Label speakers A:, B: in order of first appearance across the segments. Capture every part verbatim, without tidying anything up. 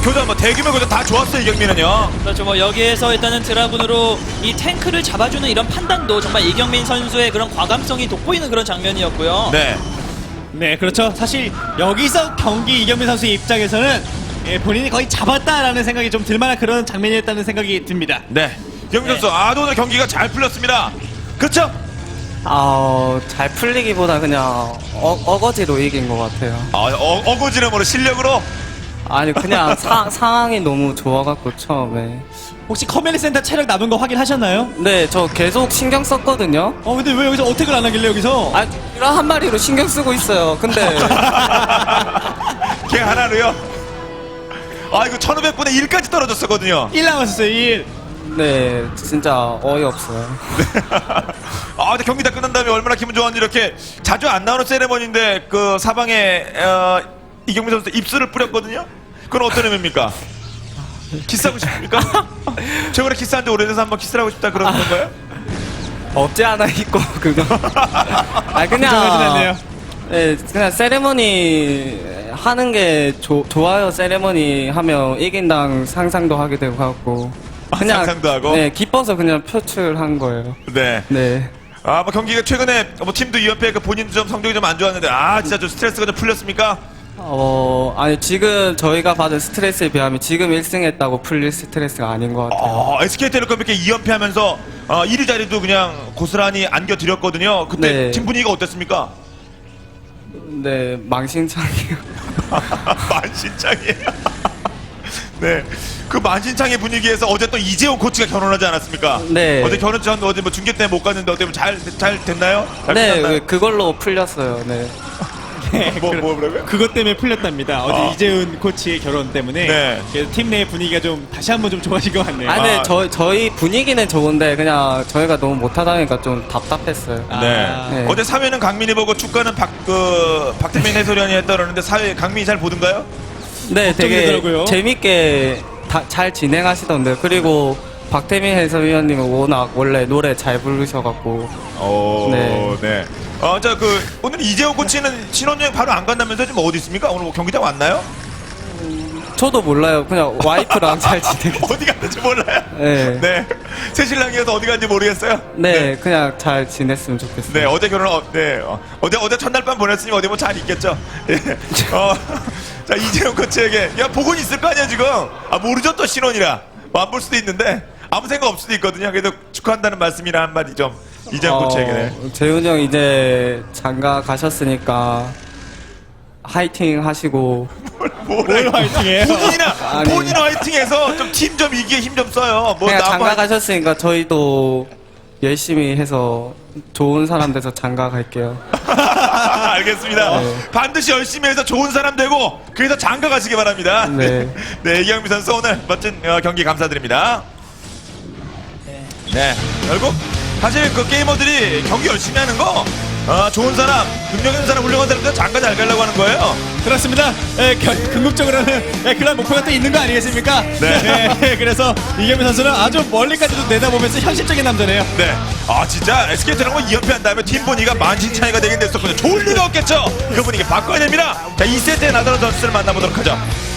A: 교전 뭐 대규모 교전 다 좋았어요. 이 경기는요.
B: 그렇죠. 뭐 여기에서 일단은 드라군으로 이 탱크를 잡아주는 이런 판단도 정말 이경민 선수의 그런 과감성이 돋보이는 그런 장면이었고요.
A: 네.
C: 네, 그렇죠. 사실 여기서 경기 이경민 선수의 입장에서는 예, 본인이 거의 잡았다라는 생각이 좀 들만한 그런 장면이었다는 생각이 듭니다.
A: 네. 이경민 선수 아 오늘 경기가 잘 풀렸습니다. 그렇죠?
D: 아, 잘 풀리기보다 그냥 어, 어거지로 이긴 것 같아요.
A: 아, 어, 어거지름으로 실력으로
D: 아니 그냥 사, 상황이 너무 좋아갖고 처음에.
C: 혹시 커뮤니티 센터 체력 남은 거 확인하셨나요?
D: 네, 저 계속 신경 썼거든요.
C: 어, 근데 왜 여기서 어택을 안 하길래 여기서?
D: 아, 이런 한 마리로 신경 쓰고 있어요. 근데
A: 걔 하나로요. 아 이거 천오백 분의 일까지 떨어졌었거든요.
C: 일 남았었어요, 일.
D: 네, 진짜 어이없어요.
A: 아, 근데 경기 다 끝난 다음에 얼마나 기분 좋았는지 이렇게 자주 안 나오는 세레머니인데 그 사방에 어, 이경민 선수 입술을 뿌렸거든요. 그건 어떤 의미입니까? 키스하고 싶습니까? 최근에 키스한 지 오래돼서 한번 키스를 하고 싶다 그런 건가요?
D: 없지 않아 있고 그거. 아
C: 정하진
D: 그냥
C: 않네요.
D: 네, 그냥 세레머니 하는 게 조, 좋아요. 세레머니 하면 이긴당 상상도 하게 되고 하고. 그냥
A: 아, 상상도 하고?
D: 네, 기뻐서 그냥 표출한 거예요.
A: 네.
D: 네.
A: 아, 뭐 경기가 최근에 뭐 팀도 이 연패 그 본인도 좀 성적이 좀 안 좋았는데 아 진짜 좀 스트레스가 좀 풀렸습니까?
D: 어, 아니 지금 저희가 받은 스트레스에 비하면 지금 일 승 했다고 풀릴 스트레스가 아닌 것 같아요.
A: 어, 에스케이텔레콤 이렇게 이 연패하면서 어, 일 위 자리도 그냥 고스란히 안겨드렸거든요. 그때
D: 네.
A: 팀 분위기가 어땠습니까?
D: 네, 망신창이요.
A: 만신창이에요. 네, 그 만신창의 분위기에서 어제 또 이재용 코치가 결혼하지 않았습니까?
D: 네.
A: 어제 결혼 전 어제 뭐 중계 때문에 못 갔는데 어때 잘 잘 됐나요? 잘
D: 네,
A: 끝났나요?
D: 그걸로 풀렸어요. 네.
A: 뭐 뭐라고요?
C: 그것 때문에 풀렸답니다. 어제
A: 아.
C: 이재훈 코치의 결혼 때문에
A: 네.
C: 그래서 팀 내 분위기가 좀 다시 한번 좀 좋아진 것 같네요.
D: 아, 근데
A: 아.
D: 저, 저희 분위기는 좋은데 그냥 저희가 너무 못하다 보니까 좀 답답했어요.
C: 아.
A: 네.
D: 네.
A: 어제 사회는 강민이 보고 축가는 박, 그, 박태민 해설위원이 했다 그러는데 사회 강민이 잘 보던가요?
D: 네, 되게
C: 되더라고요.
D: 재밌게 다, 잘 진행하시던데. 그리고 박태민 해설위원님은 워낙 원래 노래 잘 부르셔갖고.
A: 오, 네.
D: 네.
A: 어, 자, 그, 오늘 이재용 코치는 신혼여행 바로 안 간다면서 지금 어디 있습니까? 오늘 뭐 경기장 왔나요?
D: 저도 몰라요. 그냥 와이프랑 잘 지내고.
A: 어디 갔는지 몰라요?
D: 네.
A: 네. 새 신랑이어서 어디 갔는지 모르겠어요?
D: 네, 그냥 잘 지냈으면 좋겠어요.
A: 네, 어제 결혼, 어, 네. 어, 어제, 어제 첫날 밤 보냈으니 어디 뭐 잘 있겠죠? 예. 어, 자, 이재용 코치에게, 야, 복은 있을 거 아니야, 지금? 아, 모르죠, 또 신혼이라. 뭐 안 볼 수도 있는데, 아무 생각 없을 수도 있거든요. 그래도 축하한다는 말씀이나 한마디 좀, 이재용 코치에게. 네.
D: 재훈이 형 이제 장가 가셨으니까 화이팅 하시고.
A: 뭘
C: 화이팅해요?
A: 본인이나,
D: 아니.
A: 본인 화이팅해서 좀 팀 좀 이기에 힘 좀 써요. 뭐,
D: 그냥
A: 나무
D: 장가
A: 한-
D: 가셨으니까 저희도 열심히 해서 좋은 사람 돼서 장가 갈게요.
A: 알겠습니다.
D: 네.
A: 반드시 열심히 해서 좋은 사람 되고 그래서 장가 가시기 바랍니다.
D: 네.
A: 네, 이경민 선수 오늘 멋진 어, 경기 감사드립니다. 네, 결국 사실 그 게이머들이 경기 열심히 하는 거 어, 좋은 사람, 능력 있는 사람, 훌륭한 사람들 장가 잘 가려고 하는 거예요.
C: 그렇습니다. 예, 겨- 궁극적으로는 예, 그런 목표가 또 있는 거 아니겠습니까?
A: 네.
C: 예, 그래서 이경민 선수는 아주 멀리까지도 내다보면서 현실적인 남자네요.
A: 네, 아 진짜 에스케이트는 이 연패 한 다음에 팀 분위기가 만신 차이가 되긴 됐었거든요. 좋을 리가 없겠죠. 그 분위기 바꿔야 됩니다. 자, 이 세트의 나다른 선수를 만나보도록 하죠.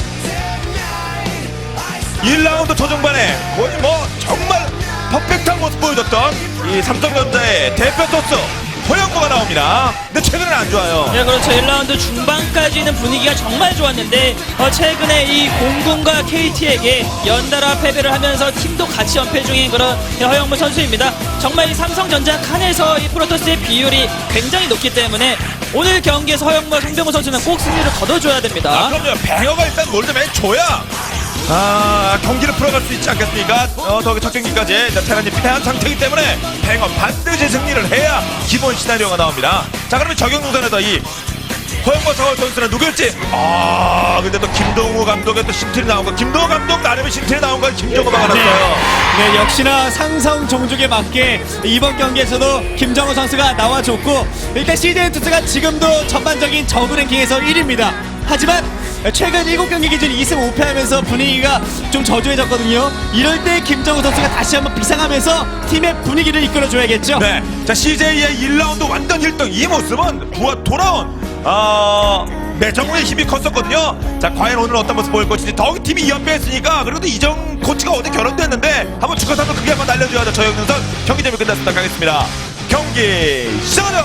A: 일 라운드 초중반에 거의 뭐 정말 퍼펙트한 모습 보여줬던 이 삼성전자의 대표 토스 허영무가 나옵니다. 근데 최근에는 안 좋아요.
B: 네, 그렇죠. 일 라운드 중반까지는 분위기가 정말 좋았는데 어, 최근에 이 공군과 케이티에게 연달아 패배를 하면서 팀도 같이 연패 중인 그런 허영무 선수입니다. 정말 이 삼성전자 칸에서 이 프로토스의 비율이 굉장히 높기 때문에 오늘 경기에서 허영무와 송병호 선수는 꼭 승리를 거둬줘야
A: 아,
B: 됩니다.
A: 그럼요. 뱅어가 일단 뭘 좀 해줘야 아, 경기를 풀어갈 수 있지 않겠습니까? 어, 더 첫 경기까지 자, 테란이 패한 상태이기 때문에 뱅어 반드시 승리를 해야 기본 시나리오가 나옵니다. 자, 그러면 적용동선에서 이 허영무 서울 선수는 누굴지 아, 근데 또 김동우 감독의 또 신틀이 나온 거 김동우 감독 나름의 신틀이 나온 거 김정우가 알았어요.
C: 네, 역시나 상성 종족에 맞게 이번 경기에서도 김정우 선수가 나와줬고 일단 씨제이 투스가 지금도 전반적인 저그 랭킹에서 일 위입니다. 하지만 최근 일곱 경기 기준 이 승 오 패하면서 분위기가 좀 저조해졌거든요. 이럴 때 김정우 선수가 다시 한번 비상하면서 팀의 분위기를 이끌어줘야겠죠.
A: 네, 자 씨제이의 일 라운드 완전 일 등 이 모습은 부하 돌아온 어, 매정우의 힘이 컸었거든요. 자, 과연 오늘 어떤 모습 보일 것인지. 더욱이 팀이 이 연패했으니까 그래도 이정 코치가 어제 결혼됐는데 한번 축하사도 크게 한번 날려줘야죠. 저영선 경기 재미 끝났습니다. 가겠습니다. 경기 시작하자.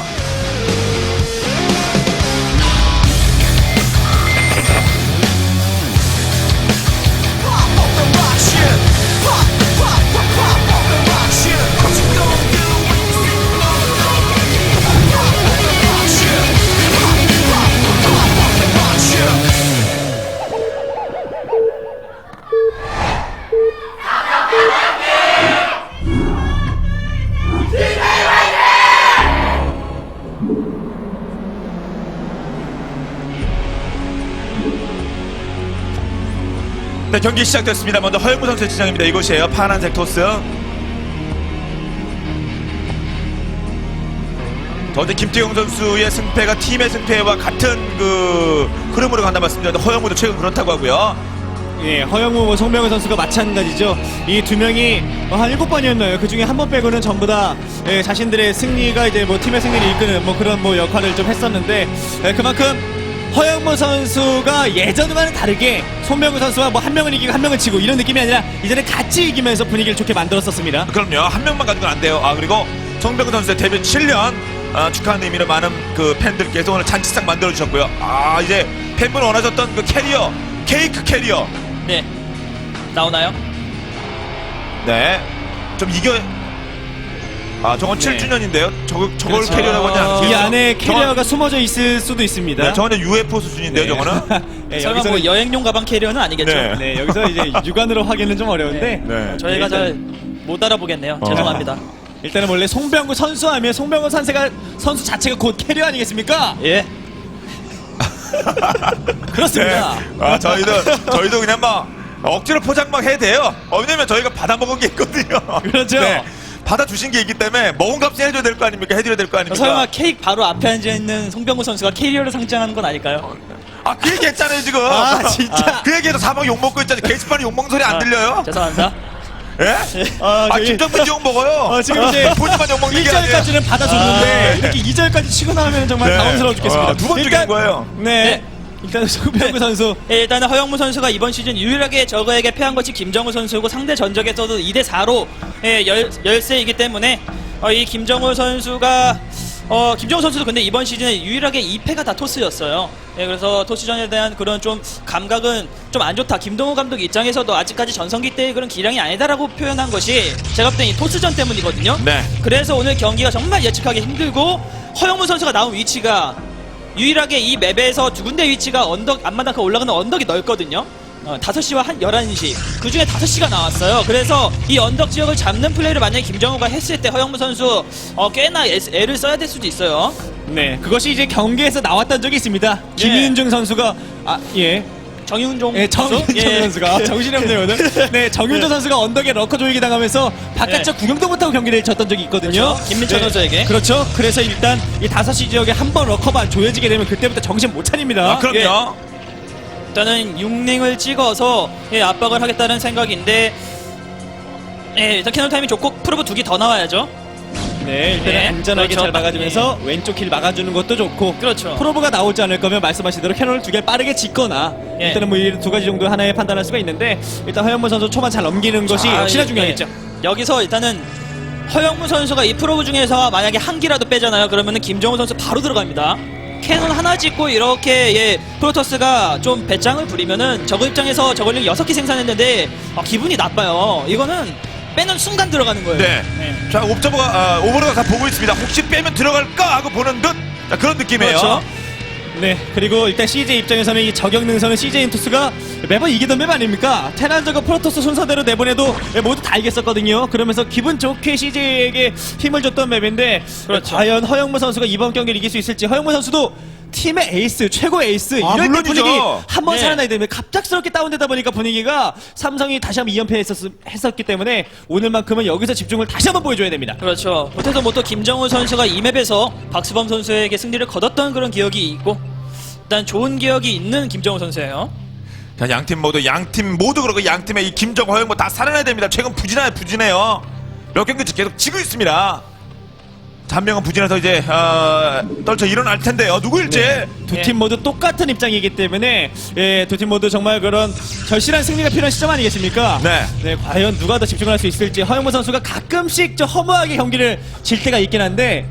A: 네, 경기 시작됐습니다. 먼저 허영무 선수의 지정입니다. 이곳이에요. 파란색 토스. 어제 김태용 선수의 승패가 팀의 승패와 같은 그 흐름으로 간다 말씀드렸는데 허영무도 최근 그렇다고 하고요.
C: 예, 허영무, 뭐 송병호 선수가 마찬가지죠. 이 두 명이 한 일곱 번이었나요? 그 중에 한 번 빼고는 전부 다 예, 자신들의 승리가 이제 뭐 팀의 승리를 이끄는 뭐 그런 뭐 역할을 좀 했었는데 예, 그만큼 허영무 선수가 예전과는 다르게 송병호 선수와 뭐 한 명은 이기고 한 명은 지고 이런 느낌이 아니라 이제는 같이 이기면서 분위기를 좋게 만들었었습니다.
A: 그럼요. 한 명만 가지고는 안 돼요. 아, 그리고 송병구 선수의 데뷔 칠 년 아, 축하하는 의미로 많은 그 팬들께서 오늘 잔치상 만들어 주셨고요. 아, 이제 팬분 원하셨던 그 캐리어, 케이크 캐리어.
B: 네. 나오나요?
A: 네. 좀 이겨. 아, 저건
C: 네.
A: 칠 주년인데요. 저걸 저걸
B: 그렇죠.
A: 캐리어라고 하지 않으세요?
C: 이 안에 캐리어가
A: 저건,
C: 숨어져 있을 수도 있습니다.
A: 네, 저건 유에프오 수준인데요.
C: 네.
A: 저거는.
C: 예,
B: 설마
C: 여기서
B: 뭐 여행용 가방 캐리어는 아니겠죠?
A: 네.
C: 네, 여기서 이제 육안으로 확인은 좀 어려운데
A: 네.
B: 저희가
C: 일단-
B: 잘 못 알아보겠네요.
A: 어.
B: 죄송합니다.
C: 일단은 원래 송병구 선수하면 송병구 선수가 선수 자체가 곧 캐리어 아니겠습니까?
B: 예.
C: 그렇습니다.
A: 네. 아, 저희도 저희도 그냥 막 억지로 포장 막 해야 돼요. 어, 왜냐면 저희가 받아 먹은 게 있거든요.
C: 그렇죠.
A: 네. 받아 주신 게 있기 때문에 먹은 값을 해줘야 될 거 아닙니까? 해드려야 될 거 아닙니까?
B: 설마 케이크 바로 앞에 앉아 있는 송병구 선수가 캐리어를 상징하는 건 아닐까요?
A: 아, 그 얘기 했잖아요, 지금.
C: 아, 진짜.
A: 그 얘기해서 사막 욕먹고 있잖아요. 게시판에 욕먹는 소리 안 들려요?
B: 죄송합니다.
A: 예?
C: 아,
A: 아,
C: 저희-
A: 김정민 욕 먹어요.
C: 어, 지금 이제
A: 본인만 욕먹는
C: 일
A: 게 아니에요.
C: 절까지는 받아줬는데
A: 아, 네.
C: 이렇게 이 절까지 치고 나오면 정말
A: 네.
C: 당황스러워 죽겠습니다.
A: 아, 두번
C: 일단-
A: 죽이는 거예요.
C: 네.
B: 네.
C: 일단 송병구
B: 네.
C: 선수
B: 예, 일단은 허영무 선수가 이번 시즌 유일하게 저거에게 패한 것이 김정우 선수고 상대 전적에서도 이 대 사로 예, 열, 열세이기 때문에 어, 이 김정우 선수가 어, 김정우 선수도 근데 이번 시즌에 유일하게 이 패가 다 토스였어요. 예, 그래서 토스전에 대한 그런 좀 감각은 좀 안 좋다. 김동우 감독 입장에서도 아직까지 전성기 때의 그런 기량이 아니다라고 표현한 것이 제가 볼 땐 이 토스전 때문이거든요.
A: 네.
B: 그래서 오늘 경기가 정말 예측하기 힘들고 허영무 선수가 나온 위치가 유일하게 이 맵에서 두 군데 위치가 언덕 앞마당까 올라가는 언덕이 넓거든요. 어, 다섯 시와 한 열한 시 그 중에 다섯 시가 나왔어요. 그래서 이 언덕 지역을 잡는 플레이를 만약에 김정우가 했을 때 허영무 선수 어, 꽤나 애, 애를 써야 될 수도 있어요.
C: 네, 그것이 이제 경기에서 나왔던 적이 있습니다. 김윤중 선수가 아, 예.
B: 정윤종
C: 예, 정윤종
B: 예.
C: 선수가 정신이 없네요 오늘. 네, 정윤종 선수가 언덕에 러커 조이기 당하면서 바깥쪽
B: 네.
C: 구경도 못하고 경기를 졌던 적이 있거든요.
B: 그렇죠. 김민철 선수에게.
C: 그렇죠. 그래서 일단 이 다섯 시 지역에 한 번 러커만 조여지게 되면 그때부터 정신 못 차립니다.
A: 아, 그럼요.
B: 일단은 육링을 찍어서 예, 압박을 하겠다는 생각인데 예, 일단 캐논 타임이 좋고 프로브 두 개 더 나와야죠.
C: 네, 일단
B: 네,
C: 안전하게
B: 그렇죠.
C: 잘 막아주면서 왼쪽 길 막아주는 것도 좋고
B: 그렇죠.
C: 프로브가 나오지 않을 거면 말씀하신 대로 캐논을 두 개 빠르게 짓거나
B: 예.
C: 일단은 뭐 이 두 가지 정도 하나에 판단할 수가 있는데 일단 허영무 선수 초반 잘 넘기는 것이
B: 아,
C: 역시나
B: 예,
C: 중요하겠죠.
B: 예. 여기서 일단은 허영무 선수가 이 프로브 중에서 만약에 한 기라도 빼잖아요. 그러면은 김정우 선수 바로 들어갑니다. 캐논 하나 짓고 이렇게 예, 프로토스가 좀 배짱을 부리면은 저거 입장에서 저걸링 여섯 개 생산했는데 아, 기분이 나빠요. 이거는 빼는 순간 들어가는 거예요.
A: 네.
B: 네.
A: 자, 옵저버가, 아, 오버로가 다 보고 있습니다. 혹시 빼면 들어갈까? 하고 보는 듯. 자, 그런 느낌이에요.
B: 그렇죠.
C: 네, 그리고 일단 씨제이 입장에서는 이 저격 능선은 씨제이 인투스가 매번 이기던 맵 아닙니까? 테란저가 프로토스 순서대로 내보내도 모두 다 이겼었거든요. 그러면서 기분 좋게 씨제이에게 힘을 줬던 맵인데
B: 그렇죠.
C: 과연 허영무 선수가 이번 경기를 이길 수 있을지. 허영무 선수도 팀의 에이스, 최고 에이스
A: 아,
C: 이럴 때
A: 물론이죠.
C: 분위기 한번
B: 네.
C: 살아나야 되면 갑작스럽게 다운되다 보니까 분위기가 삼성이 다시 한번 이 연패 했었기 때문에 오늘만큼은 여기서 집중을 다시 한번 보여줘야 됩니다.
B: 그렇죠. 못해서 뭐 또 김정우 선수가 이 맵에서 박수범 선수에게 승리를 거뒀던 그런 기억이 있고 일단 좋은 기억이 있는 김정우 선수예요.
A: 자, 양팀 모두, 양팀 모두 그렇고 양팀의 이 김정, 허영 뭐 다 살아나야 됩니다. 최근 부진해요, 부진해요. 몇 경기 계속 지고 있습니다. 한 명은 부진해서 이제 어, 떨쳐 일어날 텐데요. 누구일지.
C: 두 팀 모두 똑같은 입장이기 때문에 예, 두 팀 모두 정말 그런 절실한 승리가 필요한 시점 아니겠습니까?
A: 네.
C: 과연 누가 더 집중을 할 수 있을지 허영무 선수가 가끔씩 좀 허무하게 경기를 질 때가 있긴 한데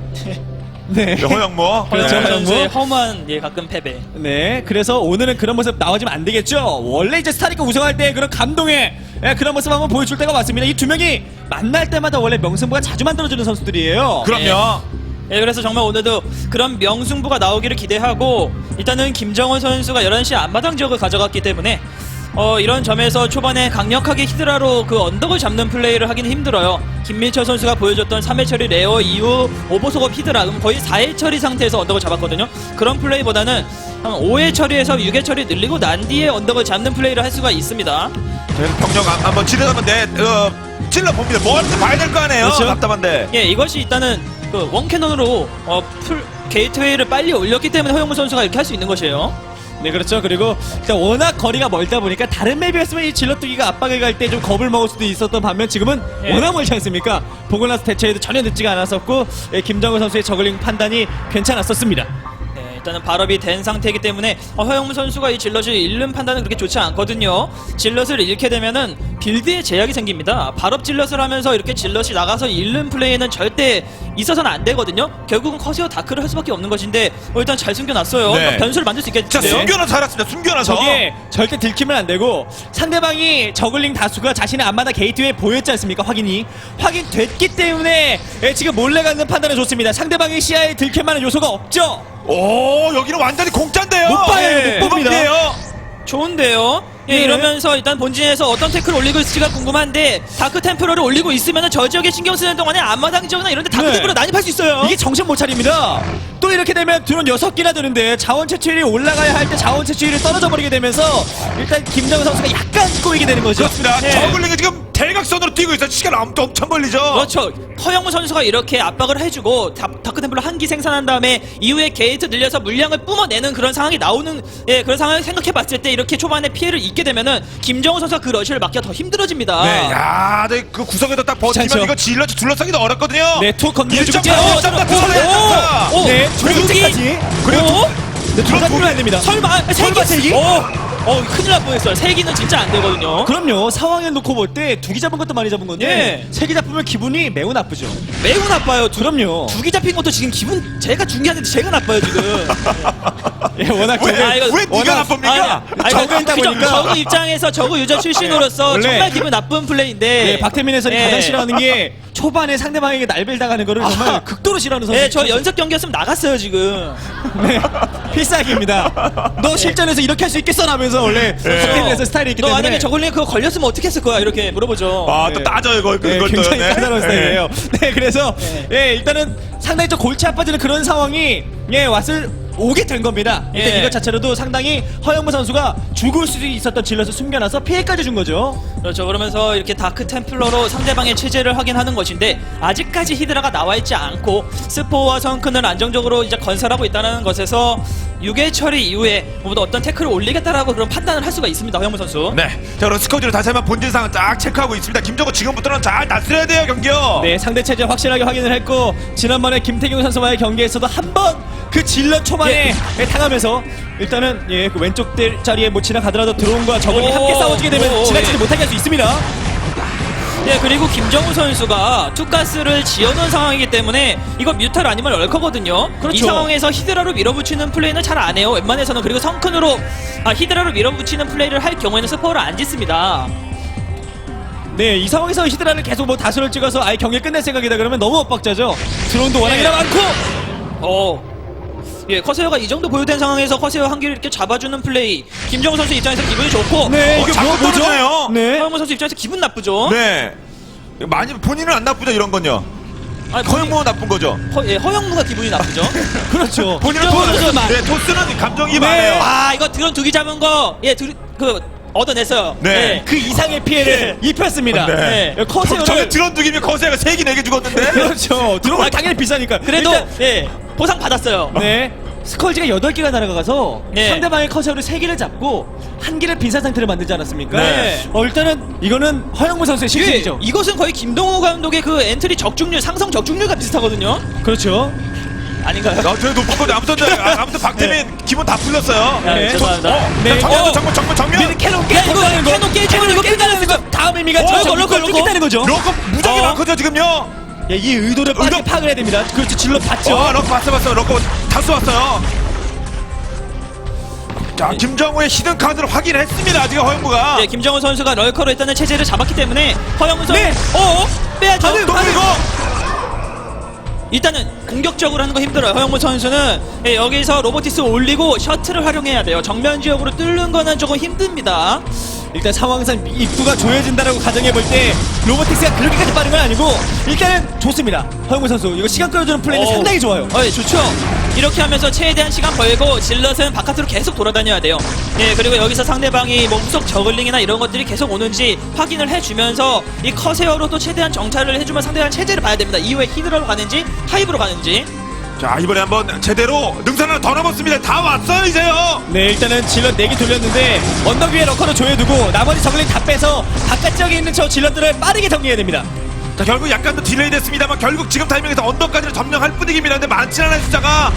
C: 네.
A: 허영무.
C: 그렇죠.
A: 네.
C: 허영무.
B: 선수의 허무한 예 가끔 패배.
C: 네, 그래서 오늘은 그런 모습 나와주면 안 되겠죠. 원래 이제 스타리그 우승할 때 그런 감동의 예, 그런 모습 한번 보여줄 때가 왔습니다. 이 두 명이 만날 때마다 원래 명승부가 자주 만들어주는 선수들이에요.
A: 그럼요.
B: 예, 그래서 정말 오늘도 그런 명승부가 나오기를 기대하고 일단은 김정은 선수가 열한 시 앞마당 지역을 가져갔기 때문에 어, 이런 점에서 초반에 강력하게 히드라로 그 언덕을 잡는 플레이를 하기는 힘들어요. 김민철 선수가 보여줬던 삼 회 처리 레어 이후 오버속업 히드라 음, 거의 사 회 처리 상태에서 언덕을 잡았거든요. 그런 플레이보다는 한 오 회 처리에서 육 회 처리 늘리고 난 뒤에 언덕을 잡는 플레이를 할 수가 있습니다.
A: 저희는 병력 한- 한번 찔러보면 내 어, 찔러 봅니다. 뭐 하는지 봐야 될 거 아니에요.
C: 그렇죠.
A: 답답한데.
B: 예, 이것이 일단은 그 원캐논으로 어, 풀 게이트웨이를 빨리 올렸기 때문에 허영무 선수가 이렇게 할 수 있는 것이에요.
C: 네, 그렇죠. 그리고 일단 워낙 거리가 멀다 보니까 다른 맵이었으면 이 질럿뜨기가 압박을 갈 때 좀 겁을 먹을 수도 있었던 반면 지금은
B: 예.
C: 워낙 멀지 않습니까? 보고 나서 대처에도 전혀 늦지가 않았었고 예, 김정은 선수의 저글링 판단이 괜찮았었습니다.
B: 네, 일단은 발업이 된 상태이기 때문에 어, 허영무 선수가 이 질럿을 잃는 판단은 그렇게 좋지 않거든요. 질럿을 잃게 되면은 빌드에 제약이 생깁니다. 발업 질럿을 하면서 이렇게 질럿이 나가서 잃는 플레이는 절대 있어서는 안 되거든요. 결국은 커세어 다크를 할 수밖에 없는 것인데 어, 일단 잘 숨겨놨어요.
A: 네.
B: 그러니까 변수를 만들 수
A: 자,
B: 있겠는데요.
A: 숨겨놔 살았습니다. 숨겨놔서.
C: 저게 절대 들키면 안 되고 상대방이 저글링 다수가 자신의 앞마다 게이트웨이에 보였지 않습니까? 확인이 확인됐기 때문에 예, 지금 몰래 갖는 판단은 좋습니다. 상대방의 시야에 들킬 만한 요소가 없죠.
A: 오, 여기는 완전히 공짜인데요.
C: 못 봐요,
A: 예.
C: 못 봅니다.
A: 무겁네요.
B: 좋은데요. 예,
C: 네.
B: 이러면서 일단 본진에서 어떤 태클을 올리고 있을지가 궁금한데 다크 템플러를 올리고 있으면 저 지역에 신경 쓰는 동안에 앞마당 지역이나 이런 데 다크
C: 네.
B: 템플러 난입할 수 있어요.
C: 이게 정신 못 차립니다. 또 이렇게 되면 드론 여섯 개나 되는데 자원 채취율이 올라가야 할 때 자원 채취율이 떨어져 버리게 되면서 일단 김정은 선수가 약간 꼬이게 되는 거죠.
A: 그렇습니다.
B: 네.
A: 저글링이 지금 대각선으로 뛰고 있어. 시간 엄청, 엄청 걸리죠.
B: 그렇죠. 허영무 선수가 이렇게 압박을 해주고 다, 다크템플러 한 기 생산한 다음에 이후에 게이트 늘려서 물량을 뿜어내는 그런 상황이 나오는 예 그런 상황을 생각해봤을 때 이렇게 초반에 피해를 입게 되면은 김정은 선수가 그 러시를 막기가 더 힘들어집니다.
A: 네, 야, 네, 그 구석에도 딱 버티면
C: 괜찮죠.
A: 이거 질러 둘러싸기도 어렵거든요.
C: 네, 투 건드려주고
A: 일점 팔 점 같은 소리 했다.
B: 오,
C: 네,
B: 그리고
C: 두기까지.
A: 그리고
B: 오,
C: 네, 둘다 뚫면 안 됩니다.
B: 설마
C: 설마
B: 세기?
C: 세기?
B: 어, 어, 큰일 날 뻔했어요. 세기는 진짜 안 되거든요.
C: 그럼요. 상황을 놓고 볼 때 두 기 잡은 것도 많이 잡은 건데
B: 예.
C: 세 기 잡으면 기분이 매우 나쁘죠.
B: 매우 나빠요. 두,
C: 그럼요.
B: 두기 잡힌 것도 지금 기분 제가 중요한데 제가 나빠요 지금.
C: 예, 워낙
A: 왜,
C: 저게
B: 아, 이거
A: 왜 네가
C: 워낙-
A: 나쁩니까?
B: 아니,
C: 저거 있다
B: 그죠?
C: 보니까.
B: 저그 입장에서 저그 유저 출신으로서
C: 원래-
B: 정말 기분 나쁜 플레이인데.
C: 네, 박태민 해설이
B: 예.
C: 가장 싫어하는 게 초반에 상대방에게 날벨 당하는 거를 정말
B: 아하.
C: 극도로 싫어하는 선수.
B: 네, 저 연습 경기였으면 나갔어요 지금.
C: 네, 필살기입니다. 너 실전에서 이렇게 할 수 있겠어? 라면서 원래 박태민 해설 스타일이 있기
B: 너
C: 때문에
B: 만약에 저걸링 그거 걸렸으면 어떻게 했을 거야? 이렇게 물어보죠.
A: 아, 또
C: 네.
A: 따져요, 이걸,
C: 네,
A: 그걸 또.
C: 굉장히
A: 네.
C: 까다로운 스타일이에요. 네, 그래서 예, 일단은 상당히 좀 골치 아파지는 그런 상황이 예, 왔을 오게 된 겁니다. 일단
B: 예.
C: 이것 자체로도 상당히 허영무 선수가 죽을 수 있었던 질럿을 숨겨놔서 피해까지 준 거죠.
B: 그렇죠. 그러면서 이렇게 다크 템플러로 상대방의 체제를 확인하는 것인데 아직까지 히드라가 나와 있지 않고 스포와 성큰을 안정적으로 이제 건설하고 있다는 것에서 육 회 처리 이후에 모두 어떤 태클을 올리겠다라고 그런 판단을 할 수가 있습니다. 허영무 선수.
A: 네. 자, 그럼 스커지로 다시 한번 본진 상황 딱 체크하고 있습니다. 김정은 지금부터는 잘 다스려야 돼요, 경기요.
C: 네, 상대 체제 확실하게 확인을 했고 지난번에 김태경 선수와의 경기에서도 한 번 그 질럿 초반에 예, 당하면서 일단은 예, 그 왼쪽 대- 자리에 뭐 지나가더라도 드론과 저글이
B: 오,
C: 함께 싸워주게 되면
B: 오,
C: 지나치지
B: 예.
C: 못하게 할 수 있습니다.
B: 네, 그리고 김정우 선수가 투가스를 지어놓은 상황이기 때문에 이거 뮤탈 아니면 럴커거든요.
C: 그렇죠.
B: 이 상황에서 히드라로 밀어붙이는 플레이는 잘 안 해요. 웬만해서는. 그리고 성큰으로 아, 히드라로 밀어붙이는 플레이를 할 경우에는 스포를 안 짓습니다.
C: 네, 이 상황에서 히드라를 계속 뭐 다수를 찍어서 아예 경기를 끝낼 생각이다 그러면 너무 엇박자죠. 드론도 워낙이나
B: 네.
C: 많고.
B: 어. 예, 커세어가 이 정도 보유된 상황에서 커세어 한 개를 이렇게 잡아주는 플레이. 김정우 선수 입장에서 기분이 좋고.
C: 네,
A: 어,
C: 이게
A: 자꾸
C: 뭐, 뭐죠?
A: 떨어지네요.
C: 네.
B: 허영무 선수 입장에서 기분 나쁘죠.
A: 네. 많이 본인은 안 나쁘죠, 이런 건요.
B: 아니,
A: 허영무가 나쁜 거죠.
B: 허, 예, 허영무가 기분이 나쁘죠.
C: 그렇죠.
A: 본인은
B: 김정은
A: 토스는,
B: 선수만.
A: 네, 토스는 감정이
C: 네.
A: 많아요.
B: 아, 이거 드론 두기 잡은 거, 예, 드, 그, 얻어냈어요.
A: 네.
B: 예.
C: 그 이상의 피해를 입혔습니다.
A: 네.
C: 네. 커세어를
A: 저게 드론 두기면 거세가 세 개, 네 개 죽었는데.
C: 그렇죠. 드론은 당연히 비싸니까.
B: 그래도,
C: 일단,
B: 예, 보상 받았어요.
C: 네. 스컬지가 여덟 개가 날아가서
B: 네.
C: 상대방의 커세어를 세 개를 잡고 한 개를 빈사 상태를 만들지 않았습니까?
B: 네.
C: 어, 일단은 이거는 허영무 선수의
B: 이게,
C: 실수이죠.
B: 이것은 거의 김동호 감독의 그 엔트리 적중률, 상성 적중률과 비슷하거든요.
C: 그렇죠.
B: 아닌가요?
A: 야, 되게 높았거든요. 아무튼, 네, 아, 아무튼 박태민 기분 다 풀렸어요.
B: 네, 죄송합니다.
A: 어,
C: 네.
A: 정면,
B: 어.
A: 정면, 정면, 정면.
C: 미드 캐논
B: 야,
C: 깨
B: 이거 캐논 깨지면 이거 끝나는 거.
C: 다음 의미가
A: 어,
C: 저
A: 럭커,
C: 럭커
B: 럭커.
C: 뚫겠다는 거죠.
A: 럭커 무작위
C: 어.
A: 많거든요, 지금요.
C: 예, 이 의도를 빠르게
A: 의도-
C: 파악을 해야 됩니다. 그렇죠. 질러 봤죠.
A: 어, 럭커 봤어, 봤어. 럭커 다 쏘았어요. 자, 김정우의 히든 카드를 확인했습니다. 지금 허영무가.
B: 네, 김정은 선수가 럴커로 일단은 체제를 잡았기 때문에 허영우 선수
C: 네.
B: 어? 빼야죠.
A: 또 그리고
B: 일단은 공격적으로 하는 거 힘들어요. 허영무 선수는 예, 여기서 로보티스 올리고 셔틀을 활용해야 돼요. 정면 지역으로 뚫는 거는 조금 힘듭니다.
C: 일단 상황상 입구가 조여진다라고 가정해 볼 때 로보틱스가 그렇게까지 빠른 건 아니고 일단은 좋습니다. 허영무 선수 이거 시간 끌어주는 플레이는
B: 어.
C: 상당히 좋아요.
B: 어, 예, 좋죠. 이렇게 하면서 최대한 시간 벌고 질럿은 바깥으로 계속 돌아다녀야 돼요. 예, 그리고 여기서 상대방이 뭐 후속 저글링이나 이런 것들이 계속 오는지 확인을 해주면서 이 커세어로 또 최대한 정찰을 해주면 상대방 체제를 봐야 됩니다. 이후에 히드라로 가는지 하이브로 가는지.
A: 자, 이번에 한번 제대로 능선 하나 더 남았습니다. 다 왔어요, 이제요.
C: 네, 일단은 질럿 네 개 돌렸는데 언덕 위에 러커를 조여두고 나머지 저글링 다 빼서 바깥 지역에 있는 저 질럿들을 빠르게 정리해야 됩니다.
A: 자, 결국 약간 더 딜레이 됐습니다만 결국 지금 타이밍에서 언덕까지는 점령할 분위기입니다. 근데 많지 않은 숫자가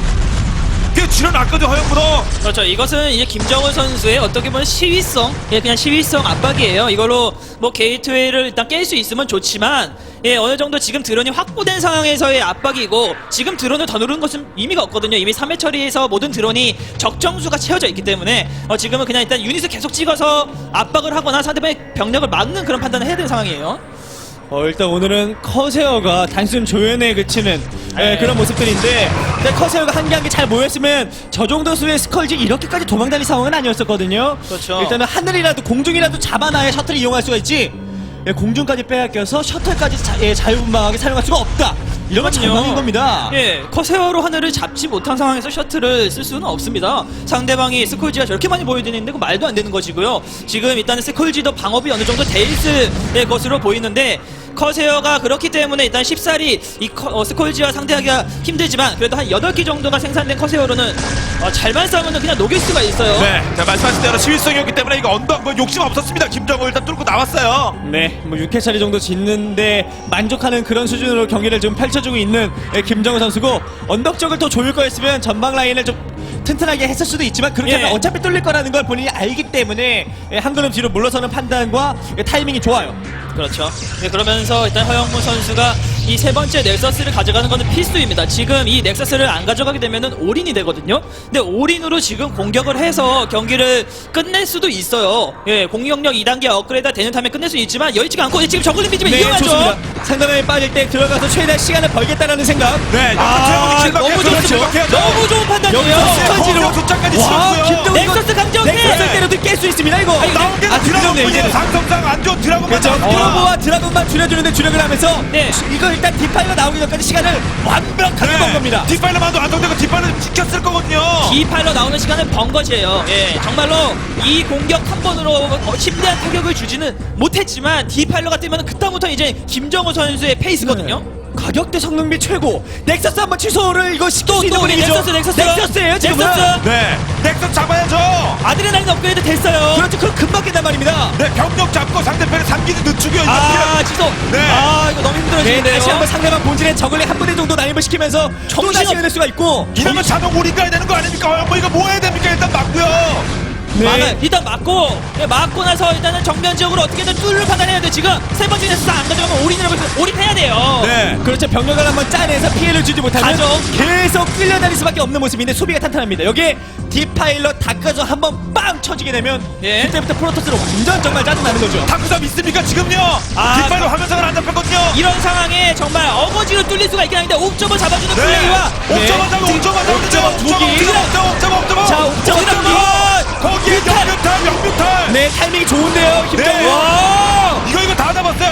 A: 꽤 줄여놨거든요, 허영무도.
B: 그렇죠. 이것은 이제 김정은 선수의 어떻게 보면 시위성, 예, 그냥 시위성 압박이에요. 이걸로 뭐 게이트웨이를 일단 깰 수 있으면 좋지만, 예, 어느 정도 지금 드론이 확보된 상황에서의 압박이고, 지금 드론을 더 누르는 것은 의미가 없거든요. 이미 삼 회 처리에서 모든 드론이 적정수가 채워져 있기 때문에, 어, 지금은 그냥 일단 유닛을 계속 찍어서 압박을 하거나 상대방의 병력을 막는 그런 판단을 해야 되는 상황이에요.
C: 어, 일단 오늘은 커세어가 단순 조연에 그치는 예,
B: 네.
C: 그런 모습들인데 근데 커세어가 한 개 한 개 잘 모였으면 저 정도 수의 스컬지 이렇게까지 도망다닐 상황은 아니었었거든요.
B: 그렇죠.
C: 일단은 하늘이라도 공중이라도 잡아놔야 셔틀을 이용할 수가 있지 예, 공중까지 빼앗겨서 셔틀까지 자, 예, 자유분방하게 사용할 수가 없다. 이런 건
B: 그럼요.
C: 절망인 겁니다.
B: 예, 커세어로 하늘을 잡지 못한 상황에서 셔틀을 쓸 수는 없습니다. 상대방이 스콜지가 저렇게 많이 보여드리는데 그 말도 안 되는 것이고요. 지금 일단은 스콜지도 방업이 어느 정도 돼 있을 것으로 보이는데 커세어가 그렇기 때문에 일단 쉽사리 이 커, 어, 스콜지와 상대하기가 힘들지만 그래도 한 여덟 개 정도가 생산된 커세어로는 어, 잘만 싸우면 그냥 녹일 수가 있어요.
A: 네, 자, 말씀하신 대로 시위성이었기 때문에 이거 언덕 뭐 욕심 없었습니다. 김정우 일단 뚫고 나왔어요.
C: 네, 뭐 육 회 차례 정도 짓는데 만족하는 그런 수준으로 경기를 좀 펼쳐주고 있는 예, 김정우 선수고 언덕 쪽을 더 조일 거였으면 전방 라인을 좀 튼튼하게 했을 수도 있지만 그렇게
B: 예.
C: 하면 어차피 뚫릴 거라는 걸 본인이 알기 때문에 예, 한 걸음 뒤로 물러서는 판단과 예, 타이밍이 좋아요.
B: 그렇죠. 네, 그러면서 일단 허영무 선수가 이 세 번째 넥서스를 가져가는 것은 필수입니다. 지금 이 넥서스를 안 가져가게 되면은 올인이 되거든요. 근데 올인으로 지금 공격을 해서 경기를 끝낼 수도 있어요. 예, 공격력 이 단계 업그레이드 되는 타임에 끝낼 수 있지만 여의치가 않고 지금 저글링 빚으면
C: 네,
B: 이용하죠.
C: 좋습니다. 상대방이 빠질 때 들어가서 최대한 시간을 벌겠다라는 생각.
A: 네,
C: 아,
A: 아,
B: 너무 좋습니다. 너무 좋은 판단이에요.
C: 여기서 스컬지로
A: 공격 숫자까지
C: 와,
A: 치렀고요.
C: 김동훈 이거
B: 넥서스 강정해!
C: 넥서스 때려도 깰 수 있습니다 이거.
A: 나온 게
C: 아,
A: 드라곤
C: 드라곤 이제
A: 뿐이에요. 상성상 안 좋은 드라곤만
C: 그렇죠.
A: 나왔습니다.
C: 드라곤과 드라곤만 줄여주는데 주력을 하면서
B: 네.
C: 이거 일단 디파이가 나오기 전까지 시간을 완벽하게 번 겁니다.
A: 뒷발로만도 완성되고 뒷발은 지켰을 거거든요.
B: 디파일러 나오는 시간은 번 것이에요. 예, 정말로 이 공격 한 번으로 어, 심대한 타격을 주지는 못했지만 디파일러가 뜨면 그다음부터 이제 김정우 선수의 페이스거든요.
C: 가격대 성능비 최고. 넥서스 한번 취소를 이거 시킬
B: 또,
C: 수 있는
B: 또
C: 분위기죠.
B: 넥서스, 넥서스.
C: 넥서스예요 지금은.
B: 넥서스.
A: 네, 넥슨 잡아야죠.
B: 아드레날린 업그레이드 됐어요.
C: 그렇죠. 그럼 금방 깬단 말입니다.
A: 네, 병력 잡고 상대편의 삼기도 늦추고요. 이거
B: 아, 지소.
A: 네.
B: 아, 이거 너무
C: 네,
B: 힘들어지는데요.
C: 다시 한번 상대방 본진에 저글링 한 부대 정도 난입을 시키면서 또 다시 해낼 수가 있고.
A: 이러면 자동 우리 가야 되는 거 아닙니까? 뭐 이거 뭐 해야 됩니까? 일단 맞고요.
B: 막아, 일단 맞고, 네, 맞고 나서 일단은 정면 지역으로 어떻게든 뚫을 판단해야 돼. 지금 세 번째 넥서스 안 가져가면 올인을 올인해야 돼요.
A: 네.
C: 그렇죠. 병력을 한번 짜내서 피해를 주지 못하면
B: 가죠.
C: 계속 끌려다닐 수밖에 없는 모습인데 수비가 탄탄합니다. 여기에 디파일럿 닦아서 한번 빵 쳐지게 되면
B: 예.
C: 그때부터 프로토스로 완전 정말 짜증나는 거죠.
A: 탁구사 믿습니까? 지금요.
B: 아,
A: 뒷발로 화면상을 안 잡혔거든요.
B: 이런 상황에 정말 어거지로 뚫릴 수가 있긴 한데 옵점을 잡아주는
A: 네.
B: 플레이와
A: 옥점 한 잡아, 옥점 한 잡아,
C: 옥점
A: 옥점,
C: 두 개.
A: 옥점, 옥점, 옥점, 옥점.
C: 자, 옥점
A: 옥점.
C: 옥점.
A: 거기에 영뮤탈, 영뮤탈.
C: 네, 타이밍이 좋은데요, 김정우.
A: 네.
C: 와!
A: 이거 이거 다 잡았어요.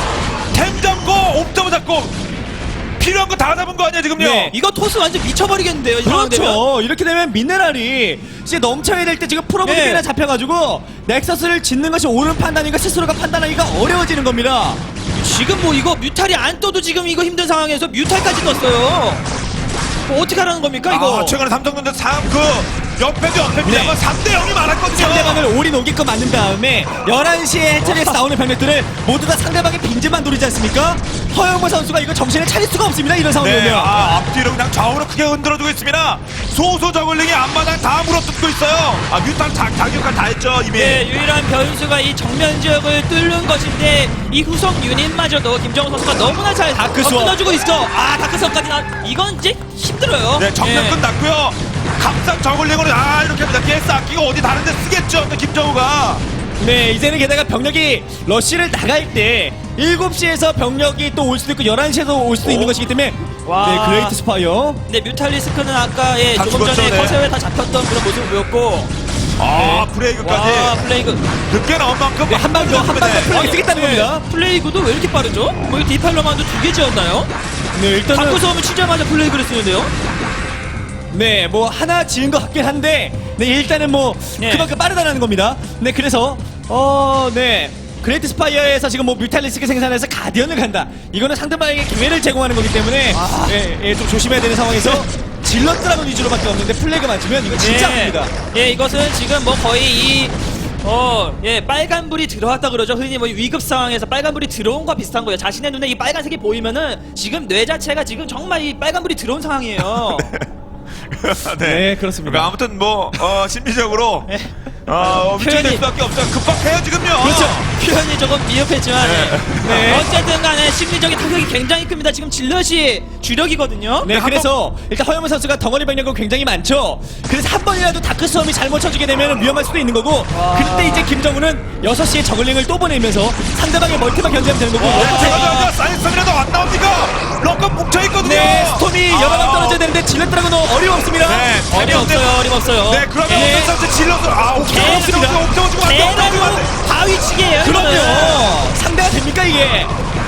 A: 템 잡고 옥점 잡고 필요한 거 다 잡은 거 아니야 지금요?
C: 네.
B: 이거 토스 완전 미쳐버리겠는데요. 이 상황 되면.
C: 그렇죠. 이렇게 되면 미네랄이 이제 넘쳐야 될 때 지금 프로브리게나
B: 네.
C: 잡혀가지고 넥서스를 짓는 것이 옳은 판단인가 스스로가 판단하기가 어려워지는 겁니다.
B: 지금 뭐 이거 뮤탈이 안 떠도 지금 이거 힘든 상황에서 뮤탈까지 떴어요. 뭐 어떻게 하라는 겁니까 이거?
A: 아, 최근에 삼성전자 삼 그 옆에도 옆에입니다만
C: 네.
A: 삼 대 영이 많았거든요.
C: 상대방을 올인 오게끔 만든 다음에 열한 시에 해처리에서 나오는 병력들을 모두 다 상대방의 빈집만 노리지 않습니까? 허영무 선수가 이거 정신을 차릴 수가 없습니다. 이런 상황이면.
A: 네, 아, 앞뒤로 그냥 좌우로 크게 흔들어주고 있습니다. 소소 저글링이 앞마당 다 물어뜯고 있어요. 아, 뮤탄 자, 자격까지 다 했죠 이미.
B: 네, 유일한 변수가 이 정면 지역을 뚫는 것인데 이 후속 유닛마저도 김정우 선수가 너무나 잘
C: 다크
B: 어,
C: 수업.
B: 끊어주고 있어. 아 다크수업까지 나 이건 이제 힘들어요.
A: 네, 정면
B: 예.
A: 끝났고요. 감상 저글링으로 아 이렇게 합니다. 게스 아끼고 어디 다른데 쓰겠죠. 근데 김정우가.
C: 네, 이제는 게다가 병력이 러쉬를 나갈 때 일곱 시에서 병력이 또 올 수도 있고 열한 시에도 올 수도 있는 것이기 때문에
B: 와.
C: 네, 그레이트 스파이어.
B: 근데 뮤탈리스크는 아까 예,
A: 다
B: 조금 전에
A: 죽었죠, 네.
B: 커세어에 다 잡혔던 그런 모습을 보였고
A: 아,
B: 와
A: 브레이크까지
B: 플레이그
A: 늦게 나온 만큼
C: 네, 한 방 더, 한 방 더 플레이 쓰겠다는 겁니다.
B: 플레이그도 왜 이렇게 빠르죠? 뭐 이 디팔로만도 두 개 지었나요?
C: 네, 일단은
B: 다크수업을 치자마자 플레이그를 쓰는데요?
C: 네, 뭐 하나 지은 것 같긴 한데, 네, 일단은 뭐
B: 네.
C: 그만큼 빠르다는 겁니다. 네, 그래서 어, 네. 그레이트 스파이어에서 지금 뭐 뮤탈리스크 생산해서 가디언을 간다. 이거는 상대방에게 기회를 제공하는 거기 때문에
B: 아.
C: 예, 예, 좀 조심해야 되는 상황에서 질럿드라곤 위주로밖에 없는데 플래그 맞으면 이거 진짜
B: 예.
C: 아픕니다.
B: 예, 이것은 지금 뭐 거의 이 어, 예, 빨간불이 들어왔다 그러죠. 흔히 뭐 위급 상황에서 빨간불이 들어온 거와 비슷한 거예요. 자신의 눈에 이 빨간색이 보이면은 지금 뇌 자체가 지금 정말 이 빨간불이 들어온 상황이에요.
C: 네, 그렇습니다.
A: 그러니까 아무튼 뭐 어, 심리적으로
B: 네.
A: 어, 위축될
B: 표현이-
A: 수밖에 없어요. 급박해요 지금요.
B: 그렇죠. 표현이 조금 미흡했지만
C: 네.
B: 어쨌든 간에 심리적인 타격이 굉장히 큽니다. 지금 질럿이 주력이거든요.
C: 네,
A: 한
C: 그래서 일단 허영무 선수가 덩어리 병력은 굉장히 많죠. 그래서 한 번이라도 다크 수험이 잘못 쳐주게 되면 위험할 수도 있는 거고. 그때 이제 김정우는 여섯 시에 저글링을 또 보내면서 상대방의 멀티만 견제하면 되는 거고.
A: 네, 제가
C: 아.
A: 제가 사이즈이라도 안 나옵니까? 럭커 뭉쳐 있거든요.
C: 네, 스톰이 여러 방 떨어져야 되는데 질럿드라곤은 어림없습니다.
A: 네,
B: 어림없어요. 어림없어요.
A: 네, 그러면
B: 예.
A: 어떤 선수 질러서 아, 옥정호
C: 계속입니다.
A: 옥정호 옥정호 주고 안 돼, 옥정호 주고 안
B: 대단히
A: 돼.
B: 바위치기예요.
C: 그럼요.
B: 이거는.
C: 상대가 됩니까 이게?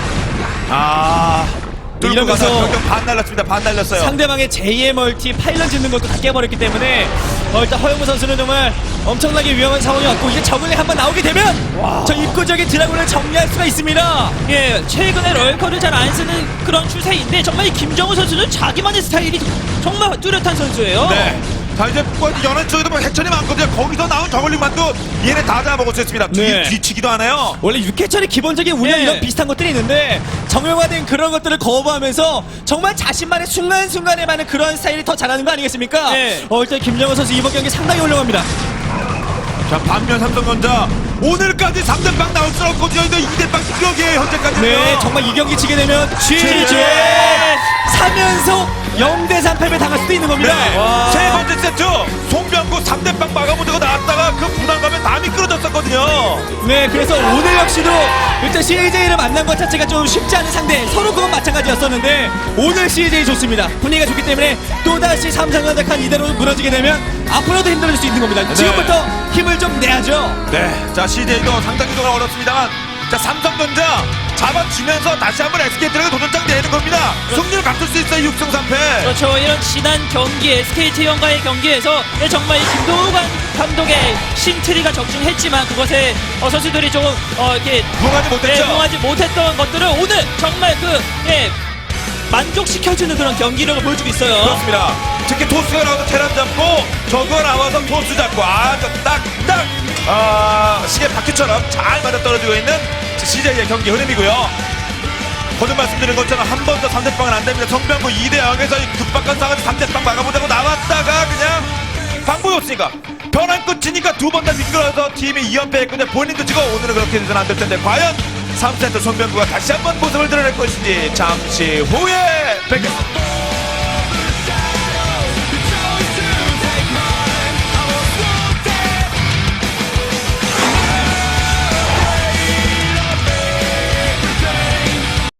A: 아, 뚫고
C: 이러면서
A: 가서 병력 반 날렸습니다. 반 날렸어요.
C: 상대방의 제이의 멀티 파일런 짓는 것도 다 깨버렸기 때문에 어, 일단 허영무 선수는 정말 엄청나게 위험한 상황이 왔고 이제 저글링 한번 나오게 되면 저 입구적인 드라군을 정리할 수가 있습니다.
B: 예, 최근에 럴커를 잘 안 쓰는 그런 추세인데 정말 이 김정우 선수는 자기만의 스타일이 정말 뚜렷한 선수예요.
A: 네. 자 이제 뭐 연안 쪽에도 뭐 해천이 많거든요. 거기서 나온 저글링만도 얘네 다 잡아먹을 수 있습니다. 뒤,
C: 네.
A: 뒤치기도 하네요.
C: 원래 육회철의 기본적인 운영
B: 예.
C: 이런 비슷한 것들이 있는데 정형화된 그런 것들을 거부하면서 정말 자신만의 순간순간에 많은 그런 스타일이 더 잘하는 거 아니겠습니까?
B: 예.
C: 어, 일단 김정은 선수 이번 경기 상당히 훌륭합니다.
A: 자 반면 삼성전자 오늘까지 삼 대 빵 나올 수 없거든요. 이거 이 대 빵 기록이에요 현재까지는.
C: 네, 정말 이 경기 지게 되면
A: 취재!
C: 취재 삼 연속 영 대 삼 패배 당할 수도 있는 겁니다.
A: 네.
C: 와.
A: 세 번째 세트 송병구 삼 대 빵 막아보자고 나왔다가 그 부담감에 다 미끄러졌었거든요.
C: 네, 그래서 오늘 역시도 일단 씨제이를 만난 것 자체가 좀 쉽지 않은 상대, 서로 그건 마찬가지였었는데 오늘 씨제이 좋습니다. 분위기가 좋기 때문에 또다시 삼성전자칸 이대로 무너지게 되면 앞으로도 힘들어질 수 있는 겁니다. 지금부터 힘을 좀 내야죠.
A: 네. 자 씨제이도 상당히 좀 어렵습니다만 자 삼성전자 잡아주면서 다시 한번 에스케이트를 도전장 내는 겁니다. 승리를 갖출 수 있어요. 육 승 삼 패.
B: 그렇죠. 이런 지난 경기 에스케이티원과의 경기에서 예, 정말 이 김도관 감독의 심트리가 적중했지만 그것에 어, 선수들이 조금 어, 이렇게
A: 부응하지 못했죠.
B: 예, 부응하지 못했던 것들을 오늘 정말 그 예, 만족시켜주는 그런 경기력을 보여주고 있어요.
A: 그렇습니다. 특히 토스가 나와서 테란 잡고 저거 나와서 토스 잡고 아주 딱딱 아, 시계 바퀴처럼 잘 맞아 떨어지고 있는 씨제이의 경기 흐름이고요. 거듭 말씀드린 것처럼 한 번 더 삼 대 빵은 안 됩니다. 성병구 이 대 영에서 급박한 상황에서 삼 대 빵 막아보자고 나왔다가 그냥 방법이 없으니까 변환 끝이니까 두 번 다 미끄러져서 팀이 이 연패했거든요. 본인도 지금 오늘은 그렇게 되서는 안 될 텐데 과연 삼 세트 송병구가 다시 한번 모습을 드러낼 것인지 잠시 후에 뵙겠습니다.